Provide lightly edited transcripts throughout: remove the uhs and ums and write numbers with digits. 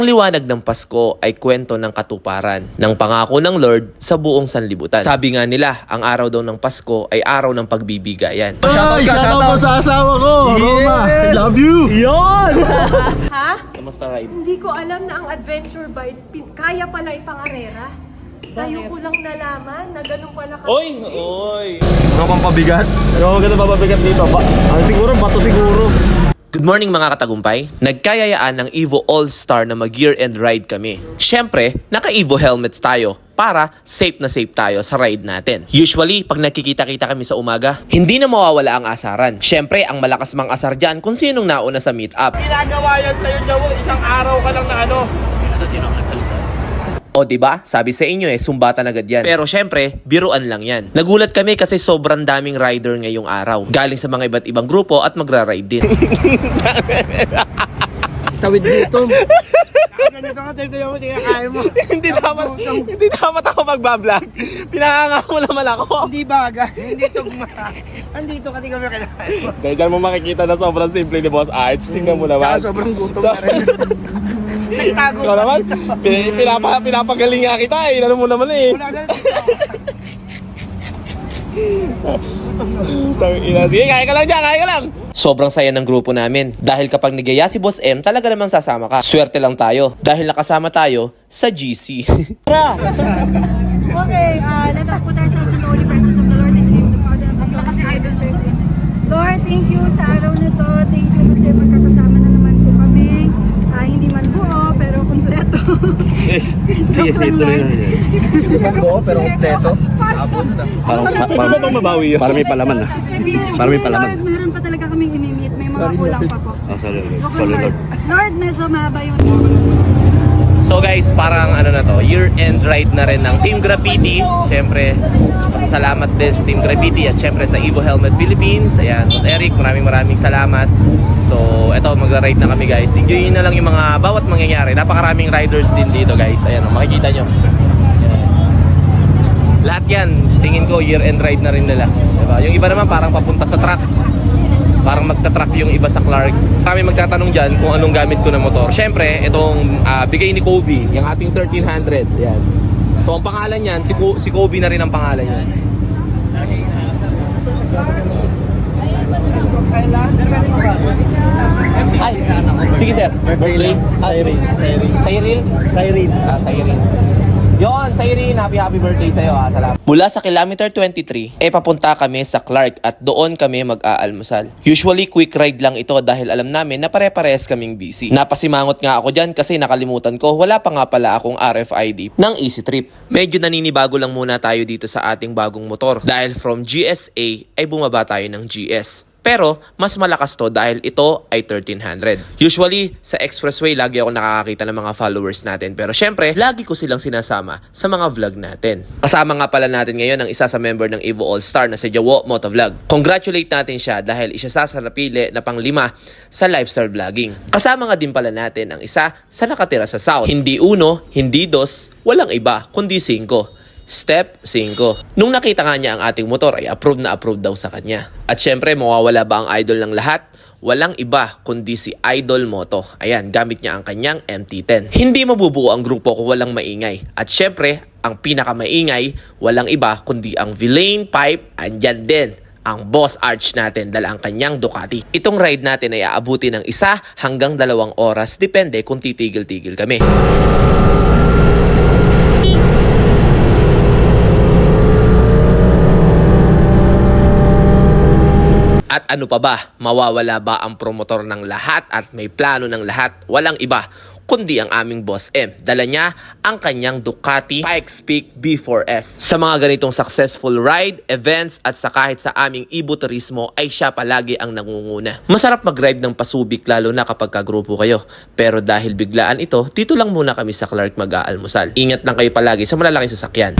Ang liwanag ng Pasko ay kwento ng katuparan ng pangako ng Lord sa buong sanlibutan. Sabi nga nila, ang araw daw ng Pasko ay araw ng pagbibigayan. Ay, shoutout mo sa asawa ko, Roma. I love you. Yon! Ha? Kamusta ride? Hindi ko alam na ang adventure bike, kaya pala ipangarera. Sa'yo ko lang nalaman na ganun pala ka. Oy! Ano pang pabigat? Ano ka na pabigat dito? Siguro, bato siguro. Good morning mga katagumpay. Nagkayayaan ng Evo All-Star na mag-year-end ride kami. Siyempre, naka-Evo helmets tayo para safe na safe tayo sa ride natin. Usually, pag nakikita-kita kami sa umaga, hindi na mawawala ang asaran. Siyempre, ang malakas mang asar dyan kung sinong nauna sa meet-up. Ginagawa yan sa'yo, Jawo. Isang araw ka lang na ano. O diba? Sabi sa inyo sumbatan agad yan. Pero syempre, biruan lang yan. Nagulat kami kasi sobrang daming rider ngayong araw. Galing sa mga iba't ibang grupo at magra-ride din. Tawid dito. Ganito ka, tayo mo, kaya mo. Hindi dapat ako magbablog. Pinahanga mo naman ako. Hindi baga, hindi tugma. Andito ka, di kami kailangan. Dahil dyan mo makikita na sobrang simple ni Boss Arch. Tingnan mo naman. Tsaka sobrang gutom na rin. Nagtago Ikaw naman, pinapagaling nga kita eh. Ano mo naman eh. Wala ka Sige, kaya ka lang dyan, kaya ka lang. Sobrang saya ng grupo namin. Dahil kapag nagaya si Boss M, talaga namang sasama ka. Swerte lang tayo. Dahil nakasama tayo sa GC. Okay, let us put ourselves in the holy presence of the Lord and give the Father and the Son and the Holy Spirit. Lord, thank you sa araw na to. Thank you kasi magkakasama na naman po kami. Hindi man buo, pero kumpleto. Joke lang, Lord. Hindi man buo, pero kompleto. Para bang mabawi yun? Para may palaman na. Para may palaman. Lord, meron pa talaga kaming imimit. May mga kulang pa po. Sorry, Joke lang, Lord. Lord, medyo mahaba yung... So guys, parang ano na to, year-end ride na rin ng Team Graffiti. Siyempre, pasasalamat din sa Team Graffiti at siyempre sa Evo Helmet Philippines. Ayan, Boss Eric, maraming salamat. So, eto, magra-ride na kami guys. Enjoy na lang yung mga bawat mangyayari. Napakaraming riders din dito guys. Ayan, makikita nyo. Ayan. Lahat yan, tingin ko year-end ride na rin nila. Diba? Yung iba naman parang papunta sa truck. Parang magta-truck yung iba sa Clark. Marami magtatanong dyan kung anong gamit ko na motor. Siyempre, itong bigay ni Kobe, yung ating 1300. Yan. So, ang pangalan yan, si Kobe na rin ang pangalan yan. Ay, sige sir. Birthday? Cyril. Cyril? Cyril. Yon, Cyril, happy birthday sa'yo ha. Salamat. Mula sa kilometer 23, papunta kami sa Clark at doon kami mag-aalmusal. Usually, quick ride lang ito dahil alam namin na pare-parehas kaming busy. Napasimangot nga ako dyan kasi nakalimutan ko, wala pa nga pala akong RFID ng Easy Trip. Medyo naninibago lang muna tayo dito sa ating bagong motor dahil from GSA ay bumaba tayo ng GS. Pero, mas malakas to dahil ito ay 1300. Usually, sa expressway, lagi ako nakakakita ng mga followers natin. Pero syempre, lagi ko silang sinasama sa mga vlog natin. Kasama nga pala natin ngayon ang isa sa member ng Evo All-Star na si Jawo Motovlog. Congratulate natin siya dahil isa sa napili na pang-5 sa lifestyle vlogging. Kasama nga din pala natin ang isa sa nakatira sa South. Hindi 1, hindi 2, walang iba, kundi 5. Step 5. Nung nakita nga niya ang ating motor ay approved na approved daw sa kanya. At syempre, mawawala ba ang idol ng lahat? Walang iba kundi si Idol Moto. Ayan, gamit niya ang kanyang MT-10. Hindi mabubuo ang grupo kung walang maingay. At syempre, ang pinakamaingay, walang iba kundi ang Villain Pipe. Andyan din ang Boss Arch natin dala ang kanyang Ducati. Itong ride natin ay aabuti ng 1 hanggang 2 oras. Depende kung titigil-tigil kami. At ano pa ba? Mawawala ba ang promotor ng lahat at may plano ng lahat? Walang iba kundi ang aming Boss M. Dala niya ang kanyang Ducati Pikes Peak B4S. Sa mga ganitong successful ride, events at sa kahit sa aming Evo Turismo ay siya palagi ang nangunguna. Masarap mag-ride ng pasubik lalo na kapag kagrupo kayo. Pero dahil biglaan ito, dito lang muna kami sa Clark mag-aalmusal. Ingat lang kayo palagi sa malalaking sasakyan.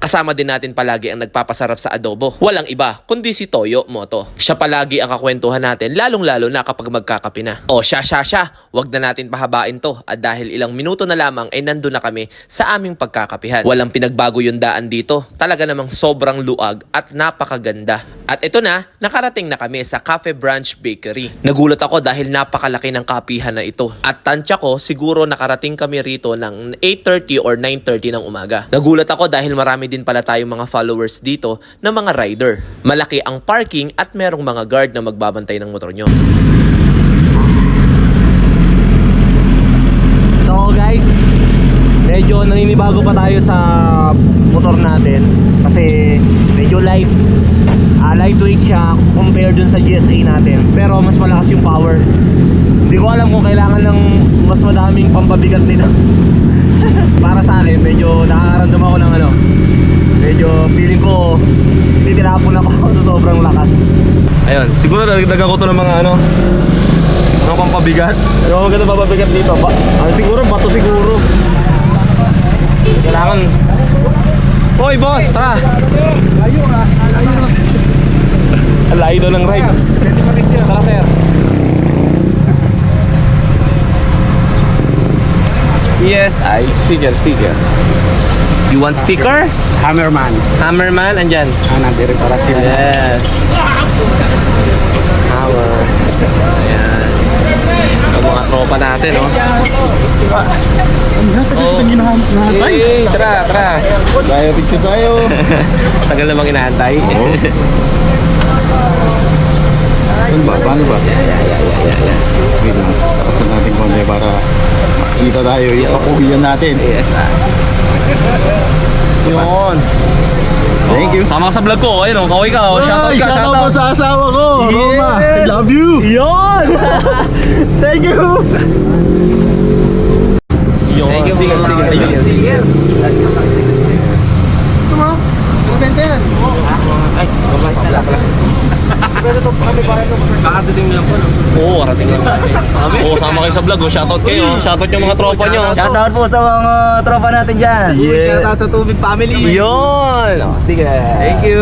Kasama din natin palagi ang nagpapasarap sa adobo. Walang iba, kundi si Toyo Moto. Siya palagi ang kakwentuhan natin, lalong-lalo na kapag magkakape na. O siya, wag na natin pahabain to. At dahil ilang minuto na lamang ay nandun na kami sa aming pagkakapihan. Walang pinagbago yung daan dito. Talaga namang sobrang luag at napakaganda. At ito na, nakarating na kami sa Cafe Branch Bakery. Nagulat ako dahil napakalaki ng kapihan na ito. At tansya ko, siguro nakarating kami rito ng 8:30 or 9:30 ng umaga. Nagulat ako dahil marami din pala tayong mga followers dito na mga rider. Malaki ang parking at merong mga guard na magbabantay ng motor nyo. So guys, medyo naninibago pa tayo sa motor natin kasi medyo lightweight siya compared dun sa GSA natin, pero mas malakas yung power. Hindi ko alam kung kailangan ng mas madaming pampabigat nito. Para sa akin, medyo nakakaramdam ako ng medyo feeling ko titirapon ako sa sobrang lakas. Ayun, siguro dagdagan ko to ng mga mga pampabigat. Ano maganda pampabigat dito? Siguro bato siguro. Kailangan. Hoy boss, tara. Ang layo daw ng ride. Tara sir. Yes, sticker. You want sticker? Hammerman. Hammerman, andyan. Nandiri para siya. Yes. Hammer. Ayan. Ang mga tropa natin, oh. Tara. Tayo, picture tayo. Tagal namang inaantay. Paano ba? Wait lang. Tapasan natin konti para mas kita tayo. Yung kapuhiyan natin. Yes, Yun. Thank you. Sama ka sa vlog ko. Ayun, kaway ka. Shoutout ka. Shoutout mo sa asawa ko. Yes. Roma, I love you. Yun! Thank you. Yun. Thank you. Sticker. Gusto mo? Maganda yan. Ay, babay pala. Kakatiting lang po, no? Oo, karating lang. Oo, sama kayo sa vlog, oh. Shoutout kayo. Shoutout yung mga tropa nyo. Shoutout po sa mga tropa natin dyan. Yeah. Shoutout sa Tubig Family. Yun! Oh, sige. Thank you.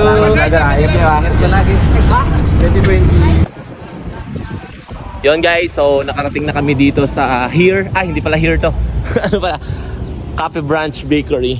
Yun guys, so nakarating na kami dito sa here. Ay, hindi pala here to. Ano pala? Cafe Branch Bakery.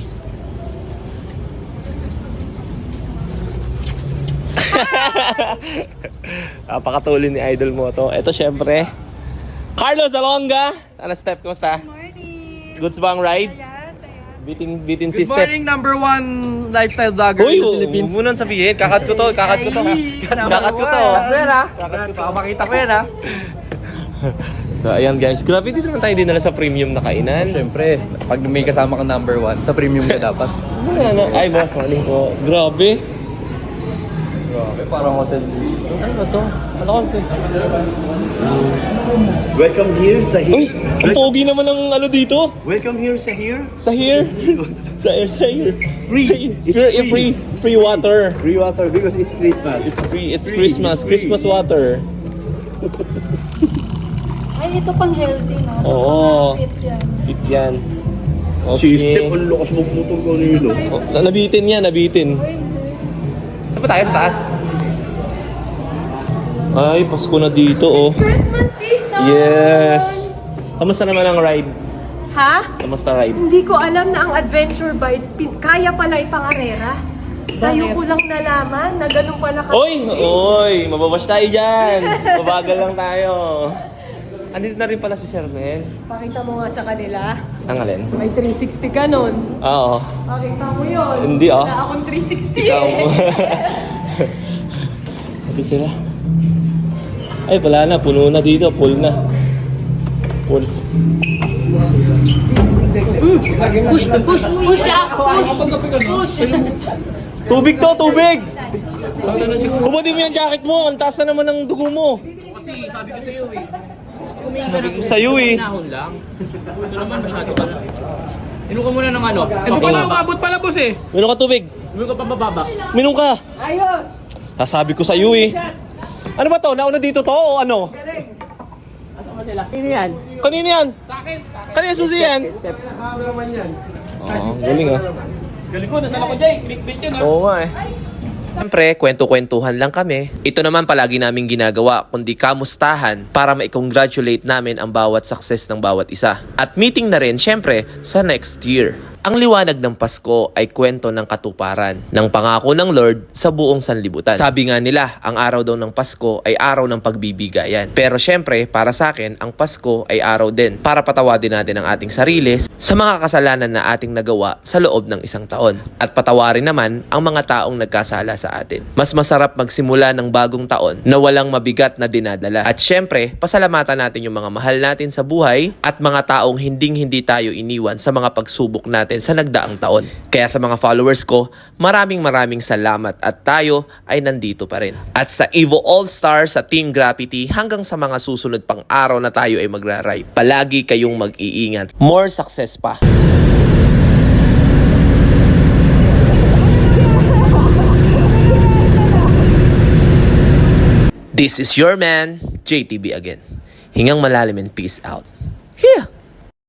Napakatulin ni Idol mo to. Ito syempre, Carlos Alonga. Ano step? Kumusta? Morning! Goods ba ang ride? Yes, ayan. Bitin Good system. morning, number one lifestyle vlogger Uy, in the Philippines. huwag mo nang sabihin. Kakat ko to. Kakat ko to. Pakita ko yan, ha? So, ayan guys. Grabe, dito naman tayo dinala sa premium na kainan. Siyempre, pag may kasama kang number one, sa premium ka dapat. Ay, boss, maling po. Grabe. Grabe, parang hotel. Ano ba to? Ano ko? Welcome here sa Uy, ang pogi naman ng ano dito. Welcome here sa here. Sa here. sa here. Free. It's Free water. Free water because it's Christmas. It's free. It's Christmas. Christmas water. Ay, ito pang healthy, no? Oo. Fit yan. Fit yan. System, ang lakas magputol ko nilo. Oh, nabitin yan, nabitin. Uy, hindi. Saan ba tayo? Sa taas? Ay, Pasko na dito, oh. Christmas season! Yes! Kamusta naman ang ride? Ha? Kamusta ride? Hindi ko alam na ang adventure bike, kaya pala ipangarera. Sa'yo ko lang nalaman na ganun pala ka. Oy! Mababash tayo dyan! Mabagal lang tayo. Andito na rin pala si Sir Mel. Pakita mo nga sa kanila. Ang alin? May 360 ka nun. Oo. Pakita mo yun. Hindi, ah. Wala akong 360 Ikaw eh. mo. Ito sila. Ay, wala na. Puno na dito. Full na. Full. Push siya. Push. Tubig to! Tubig! Hubadin mo yung jacket mo. Ang taas na naman ng dugo mo. Sabi ko sa'yo eh. Nahon lang. Ito naman, masyado ka na. Inom ka muna ng ano. Ito pala, umabot pala, boss eh. Minom ka tubig. Inom ka pa mababa. Minom ka. Ayos. Sabi ko sa'yo eh. Ano ba to? Nauna dito to o ano? Kanina yan? Sa akin. Kanina susi yan? Oo, galing ah. Galing ko, nasaan ako dyan? Clickbait yun, ha? Oo nga eh. Siyempre, kwento-kwentuhan lang kami. Ito naman palagi namin ginagawa, kundi kamustahan para ma-congratulate namin ang bawat success ng bawat isa. At meeting na rin, siyempre, sa next year. Ang liwanag ng Pasko ay kwento ng katuparan ng pangako ng Lord sa buong sanlibutan. Sabi nga nila, ang araw daw ng Pasko ay araw ng pagbibigayan. Pero syempre, para sa akin, ang Pasko ay araw din para patawadin natin ang ating sarili sa mga kasalanan na ating nagawa sa loob ng isang taon. At patawarin naman ang mga taong nagkasala sa atin. Mas masarap magsimula ng bagong taon na walang mabigat na dinadala. At syempre, pasalamatan natin yung mga mahal natin sa buhay at mga taong hindi tayo iniwan sa mga pagsubok natin sa nagdaang taon. Kaya sa mga followers ko, maraming salamat at tayo ay nandito pa rin. At sa Evo All-Stars sa Team Graffiti hanggang sa mga susunod pang araw na tayo ay magra-ride. Palagi kayong mag-iingat. More success pa! This is your man, JTB again. Hingang malalim and peace out. Yeah!